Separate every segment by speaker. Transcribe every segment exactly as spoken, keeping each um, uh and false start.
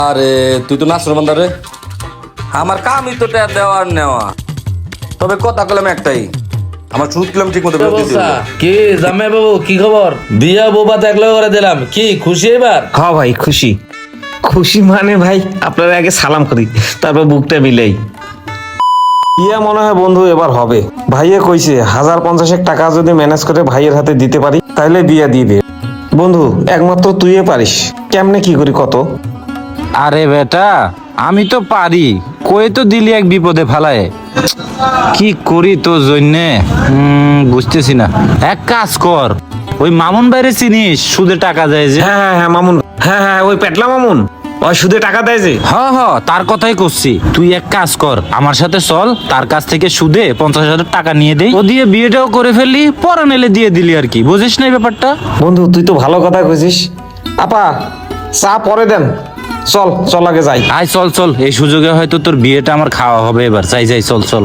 Speaker 1: আরে তুই তো নাসর বান্দা রে, আমার কামই তো ট্যাপ দেওয়া আর নেওয়া। তবে কথা কলাম একটাই, আমার সুদ কিলাম ঠিক মতো
Speaker 2: কি জামাই বাবু, কি খবর? বিয়া বোবা দেখলে করে দিলাম, কি খুশি এবার?
Speaker 3: হ্যাঁ ভাই খুশি। খুশি মানে ভাই আপনারা আগে সালাম করি, তারপর বুকটা মিলাই। ইয়া মনে হয় বন্ধু এবার হবে। ভাইয়া কইছে হাজার পঞ্চাশেক টাকা যদি ম্যানেজ করে ভাইয়ের হাতে দিতে পারি তাহলে বিয়া দিবে। বন্ধু একমাত্র তুইয়ে পারিস, কেমনে কি করি কত?
Speaker 4: আরে বেটা আমি তো পারি, কই তো দিলি এক বিপদে ফালায়। কি করি তোর জন্যে বুঝতেছি না। এক কাজ কর, ওই মামুন বাইরে চিনিস, সুদে টাকা দেয় যে?
Speaker 3: হ্যাঁ হ্যাঁ হ্যাঁ মামুন, হ্যাঁ হ্যাঁ ওই পেটলা মামুন, ওই সুদে টাকা দেয় যে।
Speaker 4: হ হ তার কথাই করছি। তুই এক কাজ কর, আমার সাথে চল, তার কাছ থেকে সুদে পঞ্চাশ হাজার টাকা নিয়ে দেই, ও দিয়ে বিয়েটাও করে ফেললি, পরে নেলে দিয়ে দিলি আর কি। বুঝিস না এই ব্যাপারটা?
Speaker 3: বন্ধু তুই তো ভালো কথা কইছিস। আপা চা পরে দেন, চল চল আগে যাই।
Speaker 4: আয় চল চল, এই সুযোগে হয়তো তোর বিয়েটা আমার খাওয়া হবে এবার। যাই যাই চল চল।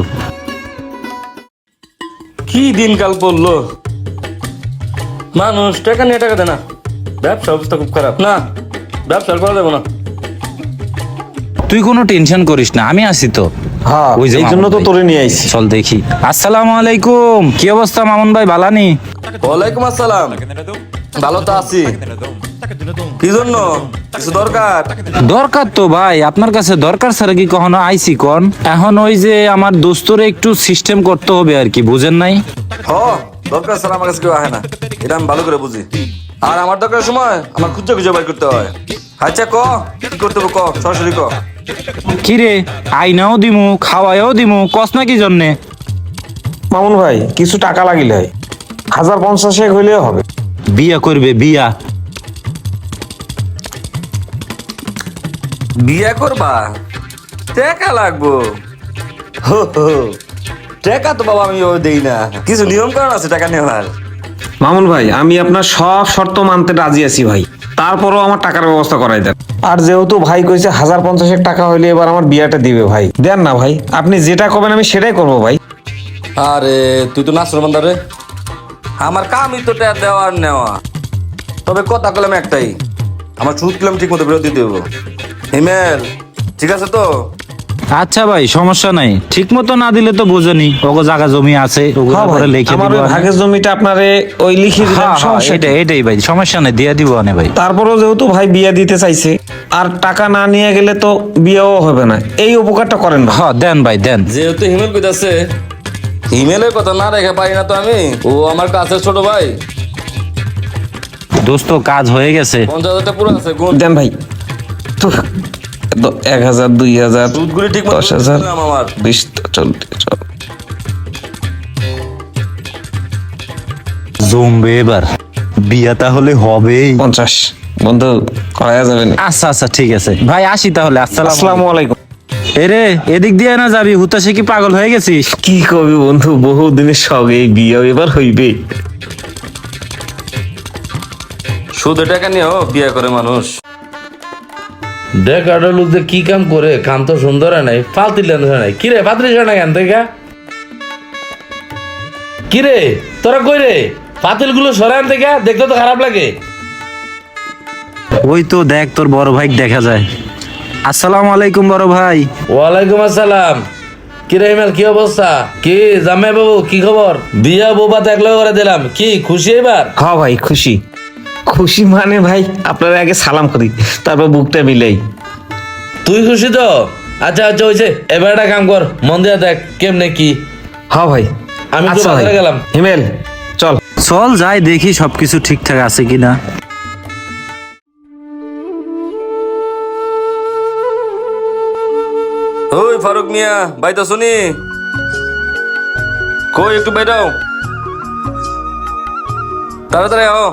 Speaker 1: কি দিনকাল পড়লো, মানুষ টাকা নিয়ে টাকা দেয় না। ব্যবসা অবস্থা খুব খারাপ না, ব্যবসা করা যাবে না।
Speaker 4: তুই কোনো টেনশন করিস না, আমি আছি তো।
Speaker 3: হ্যাঁ
Speaker 4: ওই যে
Speaker 3: এই জন্য
Speaker 4: মামুন
Speaker 3: তো
Speaker 4: ভাই।
Speaker 3: তোরে নিয়ে আইছি।
Speaker 4: চল দেখি। আসসালামু আলাইকুম, কি অবস্থা মামুন ভাই, ভালানি?
Speaker 1: ওয়ালাইকুম আসসালাম, ভালো তো আছি। কি জন্য, কিছু দরকার?
Speaker 4: দরকার তো ভাই, আপনার কাছে দরকার ছাড়া কি কখনো আইসি কোন? এখন ওই যে আমার দোস্তরে একটু সিস্টেম করতে হবে আর কি, বুঝেন নাই?
Speaker 1: হ দরকার স্যার, আমার কাছে কেউ আহে না, এটা আমি ভালো করে বুঝি। আর আমার দরকারের সময় আমার খুঁজে খুঁজে বের করতে হয়। আচ্ছা ক কি করতে হবে, ক সরাসরি ক।
Speaker 4: কি রে, আইনাও দিমু খাওয়াইও দিমু, কস না কি জন্যে?
Speaker 3: মামুন ভাই কিছু টাকা লাগিলে হয়, হাজার পঞ্চাশেক হইলেও হবে।
Speaker 4: বিয়া করবে বিয়া?
Speaker 1: বিয়ে করবা, টাকা লাগবো। হো হো, টাকা তো বাবা আমি ও দেই না, কিছু নিয়ম কারণ আছে টাকা নেওয়ার।
Speaker 3: মামুন ভাই আমি আপনার সব শর্ত মানতে রাজি আছি ভাই, তারপরও আমার টাকার ব্যবস্থা করাই দেন। আর যেহেতু ভাই কইছে হাজার পঞ্চাশেক টাকা হইলে এবার আমার বিয়াটা দিবে ভাই, দেন না ভাই, আপনি যেটা করবেন আমি সেটাই করবো ভাই।
Speaker 1: আরে তুই তো নাসর বান্দা রে, আমার কামই তো ট্যাপ দেওয়া আর নেওয়া। তবে কথা কলাম একটাই, আমার সুদ কিলাম ঠিক মতো বিরত দিতে হবে। হিমেল ঠিক আছে তো?
Speaker 4: আচ্ছা ভাই সমস্যা নাই, ঠিক মতো না দিলে তো বুঝনি, ওগো জায়গা জমি আছে, ওগুলো
Speaker 3: হ্যাঁ ভাই,
Speaker 4: পরে লিখে
Speaker 3: আমার
Speaker 4: দিব
Speaker 3: ওই
Speaker 4: আমি।
Speaker 3: ভাগের জমিটা আপনারে ওই লিখে দিলাম,
Speaker 4: হ্যাঁ, হ্যাঁ,
Speaker 3: সমস্যা
Speaker 4: এটাই
Speaker 3: কি?
Speaker 4: এটাই ভাই, সমস্যা নাই, দিয়া দিব আনে ভাই।
Speaker 3: তারপরও যেহেতু ভাই বিয়া দিতে চাইছে, আর টাকা না নিয়ে গেলে তো বিয়েও হবে না, এই উপকারটা করেন ভাই।
Speaker 4: হ্যাঁ দেন ভাই দেন।
Speaker 1: যেহেতু হিমেল কইতাছে, হিমেলের কথা না রেখে পারি না তো আমি। ও আমার কাছের ছোট ভাই,
Speaker 4: দোস্ত কাজ হয়ে গেছে।
Speaker 1: পঞ্চাশ হাজারটা পুরো আছে গুণ।
Speaker 3: দেন ভাই তো, দ- এক হাজার দুই হাজার
Speaker 1: সুদগুলি ঠিক মতো
Speaker 3: দশ হাজার
Speaker 1: দিলাম আমার।
Speaker 3: বিশ চল্লিশ চল।
Speaker 4: জমবে এবার, বিয়া তাহলে হবেই।
Speaker 3: পঞ্চাশ বন্ধু করা যাবে না।
Speaker 4: আচ্ছা আচ্ছা ঠিক আছে ভাই, আসি তাহলে। আসসালাম
Speaker 3: আসসালামু আলাইকুম।
Speaker 4: এরে এদিক দিয়ে না যাবি, হুতাশে কি পাগল হয়ে গেছিস?
Speaker 3: কি কবি বন্ধু, বহু দিনের শখ, এই বিয়ে এবার হইবে।
Speaker 1: সুদে টাকা নিয়েও বিয়ে করে মানুষ।
Speaker 2: দেখ আডল যে কি কাম করে, কাম তো সুন্দর হয় নাই, ফালতু লেন্স হয় নাই। কিরে পাত্রিস না কেন থেকে? কিরে তোরা কই রে, পাতিল গুলো সরান থেকে, দেখতে তো খারাপ লাগে।
Speaker 4: ওই তো দেখ তোর বড় ভাই দেখা যায়। আসসালামু আলাইকুম বড় ভাই।
Speaker 2: ওয়ালাইকুম আসসালাম। কিরে ইমেল, কি অবস্থা? কি জামাই বাবু, কি খবর? বিয়া বোবা দেখলে করে দিলাম, কি খুশি এবার?
Speaker 3: হ্যাঁ ভাই খুশি। খুশি মানে ভাই আপনারা আগে সালাম করি, তারপর বুকটা মিলাই।
Speaker 2: তুই খুশি তো? আচ্ছা আচ্ছা হয়েছে, এবার একটা কাম কর, মন দিয়া দেখ কেমনে কি।
Speaker 3: হ্যাঁ ভাই
Speaker 2: আমি তো
Speaker 3: আচ্ছা ভাই,
Speaker 2: বাজারে গেলাম।
Speaker 3: হিমেল চল।
Speaker 4: চল যাই দেখি সবকিছু ঠিকঠাক আছে কিনা।
Speaker 1: ওই ফারুক মিয়া ভাই তো শুনি, কই একটু বেরাও, তাড়াতাড়ি আও।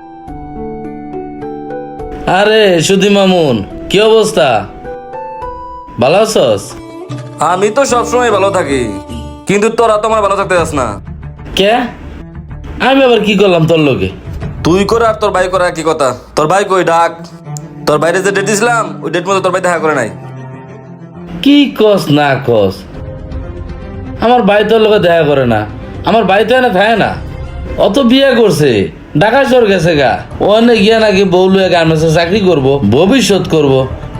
Speaker 2: আরে সুধি মামুন, কি অবস্থা? ভালো আছস?
Speaker 1: আমি তো সবসময় ভালো থাকি, কিন্তু তোরা তো আমার ভালো থাকতে যাস না।
Speaker 2: কে? আমি আবার কি করলাম তোর লোকে?
Speaker 1: তুই করে আর তোর ভাই করে কি কথা? তোর ভাই কই ডাক, তোর বাইরে যে ডেট দিছিলাম ওই ডেট মতো তোর ভাই দেখা করে নাই।
Speaker 2: কি কস না কস, আমার ভাই তোর লোকে দেখা করে না, আমার ভাই তো এনে থাকে না, অত বিয়ে করছে, ঢাকা শহর গেছে গা, ওখানে গিয়া নাকি বউ লুয়ে গার্মেন্টসে চাকরি করবো, ভবিষ্যৎ করবো।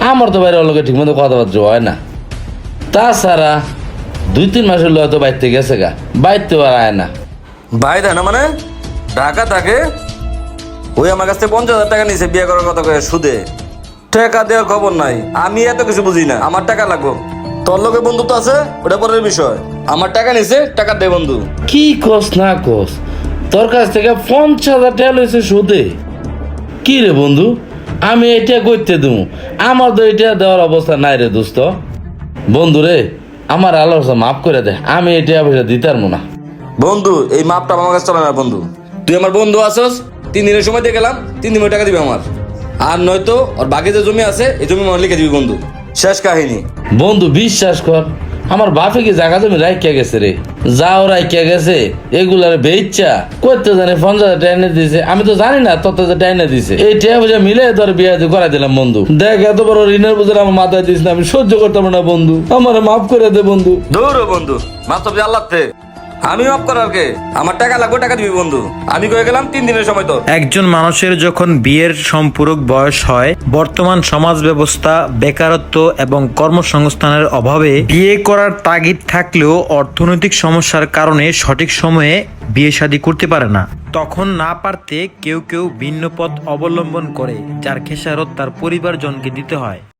Speaker 2: আমার তো বাইরে লোকে ঠিক মতো কথাবার্তা হয় না। তাছাড়া দুই তিন মাসের লোক তো বাইরতে গেছে গা, বাইরতে আর আয় না।
Speaker 1: ভাই দেয় না মানে ঢাকা থাকে, ওই আমার কাছ থেকে পঞ্চাশ হাজার টাকা নিয়েছে বিয়ে করার কথা কয়ে সুদে। টাকা দেওয়ার খবর নাই, আমি এত কিছু বুঝি না, আমার টাকা লাগবো। তোর লোকে বন্ধুত্ব আছে ওটা পরের বিষয়, আমার টাকা নিছে, টাকা দে বন্ধু।
Speaker 2: কি কস না কস, তোর কাছ থেকে পঞ্চাশ হাজার টাকা লইছে সুদে? কি রে বন্ধু, আমি এটা করতে দেবো? আমার তো এটা দেওয়ার অবস্থা নাই রে দোস্ত। বন্ধু রে, আমার আলোচনা মাফ করে দে, আমি এটা পয়সা দিতে পারবো না।
Speaker 1: বন্ধু এই মাপটা আমার কাছে চলে না বন্ধু, তুই আমার বন্ধু আসস, তিন দিনের সময় দিয়ে গেলাম, তিন দিন টাকা দিবি আমার। আর নয়তো ওর বাকি যে জমি আছে এই জমি আমার লিখে দিবি বন্ধু, শেষ কাহিনী।
Speaker 2: বন্ধু বিশ্বাস কর, আমার বাপে কি জায়গা জমি রাখিয়া গেছে রে, যাও রাখিয়া গেছে, এগুলার বেইচ্ছা করতে জানে পঞ্চাশ হাজার টাকা এনে দিছে, আমি তো জানি না তত টাকা এনে দিছে। এই টাকা পয়সা মিলে তোর বিয়ে করাই দিলাম বন্ধু। দেখ এত বড় ঋণের বোঝা আমার মাথায় দিস না, আমি সহ্য করতাম না বন্ধু, আমার মাফ করে দে বন্ধু।
Speaker 1: দৌড়ো বন্ধু, মাছ তো আল্লাহ তে, আমি মাফ করার কে? আমার টাকা লাগবে, টাকা দিবি বন্ধু। আমি কয়ে গেলাম তিন দিনের সময় তোর।
Speaker 5: একজন মানুষের যখন বিয়ের সম্পূরক বয়স হয়, বর্তমান সমাজ ব্যবস্থা বেকারত্ব এবং কর্মসংস্থানের অভাবে বিয়ে করার তাগিদ থাকলেও অর্থনৈতিক সমস্যার কারণে সঠিক সময়ে বিয়ে শাদী করতে পারে না। তখন না পারতে কেউ কেউ ভিন্ন পথ অবলম্বন করে, যার খেসারত তার পরিবারজনকে দিতে হয়।